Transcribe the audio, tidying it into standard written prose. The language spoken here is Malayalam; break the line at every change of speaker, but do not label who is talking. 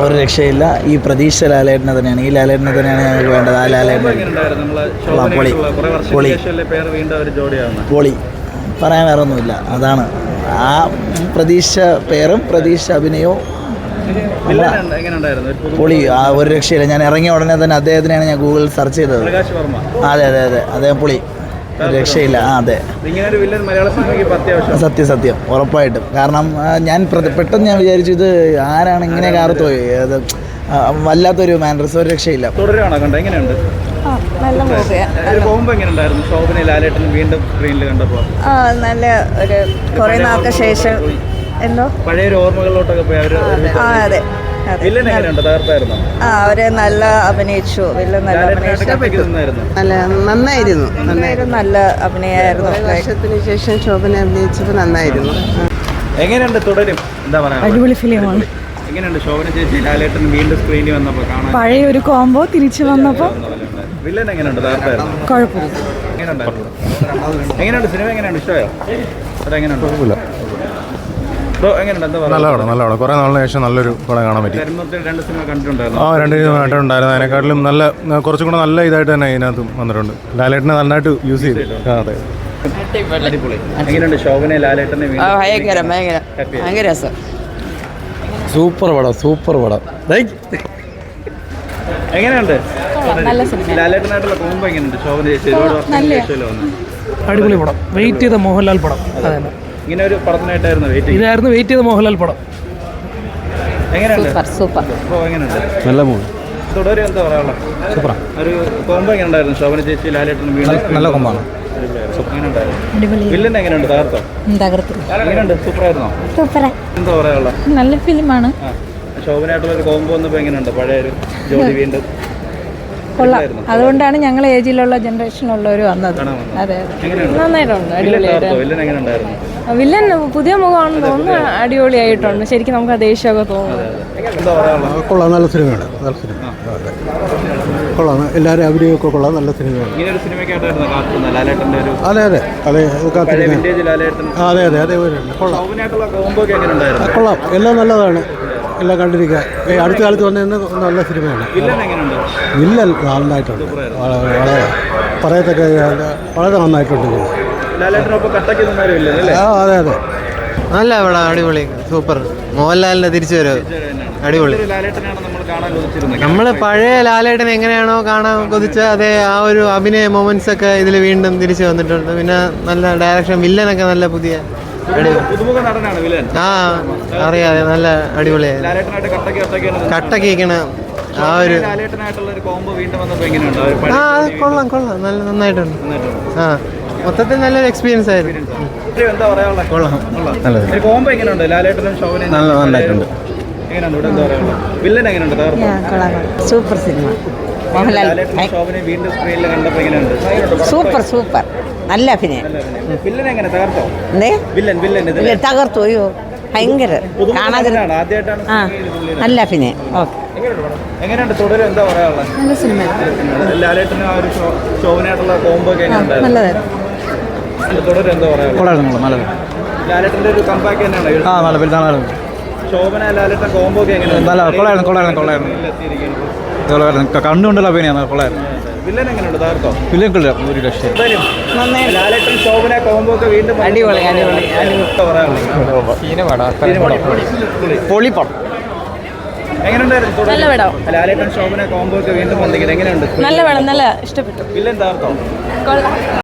ഒരു രക്ഷയില്ല. ഈ പ്രതീക്ഷ ലാലേട്ടനെ തന്നെയാണ്. ഈ ലാലേട്ടനെ തന്നെയാണ് ഞങ്ങൾക്ക് വേണ്ടത്. ആ ലാലേട്ടൻ പൊളി പറയാൻ വേറെ ഒന്നുമില്ല. അതാണ് ആ പ്രതീക്ഷ പേരും പ്രതീക്ഷ അഭിനയവും പൊളി. ആ ഒരു രക്ഷയില്ല. ഞാൻ ഇറങ്ങിയ ഉടനെ തന്നെ അദ്ദേഹത്തിനെയാണ് ഞാൻ ഗൂഗിളിൽ സെർച്ച് ചെയ്തത്. അതെ അതെ അതെ അദ്ദേഹം പൊളി, രക്ഷയില്ല. അതെ, സത്യം ഉറപ്പായിട്ടും. കാരണം ഞാൻ പെട്ടെന്ന് ഞാൻ വിചാരിച്ചു ഇത് ആരാണ് ഇങ്ങനെ കാർത്ത് പോയി. അത് വല്ലാത്തൊരു മാനേഴ്സ്, ഒരു രക്ഷയില്ല.
നല്ല ഒരു കുറേ നാൾക്ക് ശേഷം എന്തോ പഴയ ഓർമ്മകളിലോട്ടൊക്കെ പോയി. അതെ, അവര് നല്ല അഭിനയിച്ചു.
നന്നായിരുന്നു.
നല്ല അഭിനയമായിരുന്നു.
വർഷത്തിന് ശേഷം ശോഭന അഭിനയിച്ചപ്പോൾ നന്നായിരുന്നു.
എങ്ങനെയുണ്ട് തുടരും? എന്താ പറയാ,
അടിപൊളി ഫിലിമാണ്.
എങ്ങനെയുണ്ട് ശോഭന ചേച്ചി ലാലേട്ടൻ വീണ്ടും സ്ക്രീനിൽ വന്നപ്പോൾ കാണാൻ?
പഴയ ഒരു കോംബോ തിരിച്ചു വന്നപ്പോൾ
വില്ലൻ എങ്ങനെയുണ്ട്?
കുഴപ്പമില്ല.
എങ്ങനെയുണ്ട് സിനിമ? എങ്ങനെയുണ്ട്? ഇഷ്ടമായോ? എങ്ങനെയുണ്ട്?
നല്ല പടം. കുറേ നാളിന് ശേഷം നല്ലൊരു പടം കാണാൻ പറ്റി.
രണ്ട് സിനിമ കണ്ടിട്ടുണ്ടായിരുന്നു.
രണ്ട് സിനിമ കണ്ടിട്ടുണ്ടായിരുന്നു. അതിനെക്കാട്ടിലും നല്ല കുറച്ചും കൂടെ നല്ല ഇതായിട്ട് തന്നെ ഇതിനകത്ത് വന്നിട്ടുണ്ട്. ലാലേട്ടനെ നന്നായിട്ട് യൂസ് ചെയ്തു. അതെ,
എങ്ങനെയുണ്ട് ശോഭന ലാലേട്ടനെ?
ഭയങ്കര രസം.
സൂപ്പർ പടം.
എങ്ങനെയുണ്ട് ലാലേട്ടനായിട്ടുള്ള കോമ്പോ? എങ്ങനെയുണ്ട് ശോഭന ചേച്ചി?
അടിപൊളി പടം. വെയിറ്റ് ചെയ്ത മോഹൻലാൽ പടം. അതന്നെ,
ഇങ്ങനെ ഒരു പടത്തിനായിട്ടായിരുന്നു
വെയിറ്റ് ചെയ്ത മോഹൻലാൽ പടം.
എങ്ങനെയുണ്ട്?
സൂപ്പർ.
എങ്ങനെയുണ്ട്?
നല്ല മൂവി.
തുടരും എന്താ പറയാനുള്ള?
സൂപ്പറാ.
ഒരു കോമ്പോ എങ്ങനെയുണ്ടായിരുന്നു ശോഭന ചേച്ചി ലാലേട്ടനും?
നല്ല കോമ്പാണ്.
വില്ലൻ എങ്ങനെയുണ്ട്? എങ്ങനെയുണ്ട്? സൂപ്പറായിരുന്നോ? എന്താ പറയാനുള്ള?
നല്ല ഫിലിമാണ്.
ശോഭനയായിട്ടുള്ള ഒരു കോമ്പോ വന്നപ്പോൾ എങ്ങനെയുണ്ട്? പഴയ ഒരു ജോഡി വീണ്ടും
കൊള്ളാം. അതുകൊണ്ടാണ് ഞങ്ങൾ ഏജിലുള്ള ജനറേഷനുള്ളവർ വന്നത്. അതെ, നന്നായിട്ടുണ്ട്. അടിപൊളിയായിട്ട്. വില്ലൻ പുതിയ മുഖമാണെന്ന് തോന്നുന്നു. അടിപൊളിയായിട്ടുണ്ട്. ശരിക്കും നമുക്ക് ദേഷ്യമൊക്കെ തോന്നുന്നു.
കൊള്ളാം, നല്ല സിനിമയാണ്. കൊള്ളാം, എല്ലാവരും അഭിനയമൊക്കെ കൊള്ളാം. നല്ല സിനിമയാണ്. അതെ കൊള്ളാം. എല്ലാം നല്ലതാണ്. എല്ലാം കണ്ടിരിക്കുക. അടുത്ത കാലത്ത് വന്നതിന് നല്ല സിനിമയാണ്. വില്ലൻ നന്നായിട്ടുണ്ട്. പറയത്തക്ക വളരെ നന്നായിട്ടുണ്ട്. അതെ
നല്ല പടം. അടിപൊളി, സൂപ്പർ. മോഹൻലാലിന്റെ തിരിച്ചു വരവ് അടിപൊളി. നമ്മൾ പഴയ ലാലേട്ടൻ എങ്ങനെയാണോ കാണാൻ കൊതിച്ച അതേ ആ ഒരു അഭിനയ മൊമെന്റ്സ് ഒക്കെ ഇതിൽ വീണ്ടും തിരിച്ചു വന്നിട്ടുണ്ട്. പിന്നെ നല്ല ഡയറക്ഷൻ, വില്ലനൊക്കെ നല്ല പുതിയ അറിയാതെ നല്ല അടിപൊളിയായി. കട്ടക്കേക്കണ ആ ഒരു കൊള്ളാം. നല്ല നന്നായിട്ടുണ്ട്. മൊത്തത്തിൽ നല്ലൊരു എക്സ്പീരിയൻസ് ആയിരുന്നു.
നന്നായിട്ടുണ്ട്.
Super cinema. മോഹൻലാൽ സൂപ്പർ. നല്ല അഭിനയം. തകർത്തു. അയ്യോ ഭയങ്കര കാണാതെ നല്ല അഭിനയം. ഓക്കെ,
എങ്ങനെയുണ്ട് തുടരും? എന്താ പറയാനുള്ളത്?
നല്ല സിനിമ.
ലാലേട്ടനും ആ ഒരു ശോഭനയായിട്ടുള്ള കോമ്പോ ഒക്കെ
നല്ലതായിരുന്നു.
തുടരും എന്താ പറയാനുള്ളത്? ലാലേട്ടന്റെ ഒരു കമ്പാക്ക് തന്നെയാണ്. ശോഭന ലാലേട്ടൻ കോമ്പോ ഒക്കെ എങ്ങനെയാണ്?
കണ്ടുകൊണ്ടുള്ള അഭിനയാണ്. കൊള്ളായിരുന്നു.
വില്ലൻ എങ്ങനെയുണ്ട്? തകർത്തോ?
ഒരു രക്ഷ.
ലാലേട്ടൻ ശോഭന കോമ്പോ ഒക്കെ വീണ്ടും
അടിപൊളി.
പൊളിപ്പടം.
എങ്ങനെയുണ്ടായിരുന്നു?
നല്ല പടം.
ലാലേട്ടൻ ശോഭന കോമ്പോ ഒക്കെ വീണ്ടും വന്നിരിക്കുന്നത് എങ്ങനെയുണ്ട്?
നല്ല പടം. നല്ല ഇഷ്ടപ്പെട്ടു.
വില്ലൻ തകർത്തോ?